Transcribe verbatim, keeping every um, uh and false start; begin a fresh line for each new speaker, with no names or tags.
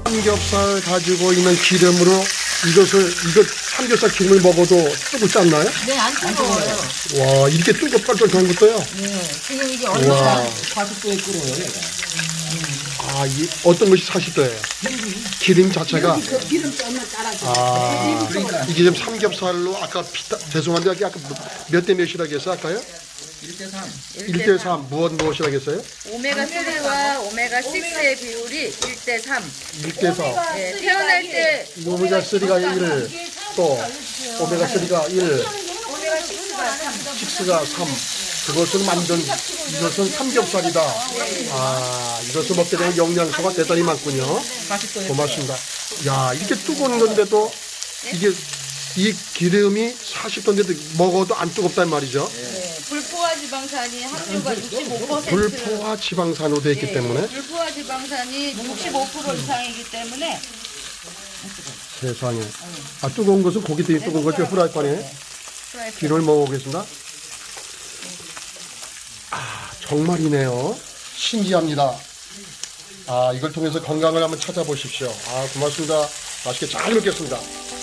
삼겹살 가지고 있는 기름으로 이것을 이거 삼겹살 기름을 먹어도 뜨겁지 않나요?
네, 안 뜨거워요.
와, 이렇게 뜨겁달떨한 것도요?
네, 지금 이게
와.
얼마나
사십 도에 끓어요, 얘가.
아, 이 어떤 것이 사십 도예요? 기름 자체가.
그 기름 조금만 따라줘.
아,
그러니까
이게 지금 삼겹살로 아까 비타, 죄송한데 아까 몇 대 몇이라고 했어요? 아까요?
일 대 삼.
일 대 삼 무엇 무엇이라고 했어요?
오메가 삼과 오메가 육의 비율이 일 대 삼.
일 대 사.
네, 태어날 때
오메가 삼가 일, 또 오메가 삼가 일, 육가 삼. 그것을 만든 이것은 삼겹살이다. 아, 이것을 먹게 되면 영양소가 대단히 많군요. 고맙습니다. 야, 이렇게 뜨거운 건데도 이게 이 기름이 사십 도인데도 먹어도 안 뜨겁단 말이죠.
네, 불포화 지방산이 함유가 육십오 퍼센트.
불포화 지방산으로 되어 있기
네,
때문에
불포화 지방산이 육십오 퍼센트 이상이기 때문에
세상에. 아, 뜨거운 것은 고기 되게 뜨거운 거죠. 후라이팬에.
프라이팬.
기름을 먹어보겠습니다. 아, 정말이네요. 신기합니다. 아, 이걸 통해서 건강을 한번 찾아보십시오. 아, 고맙습니다. 맛있게 잘 먹겠습니다.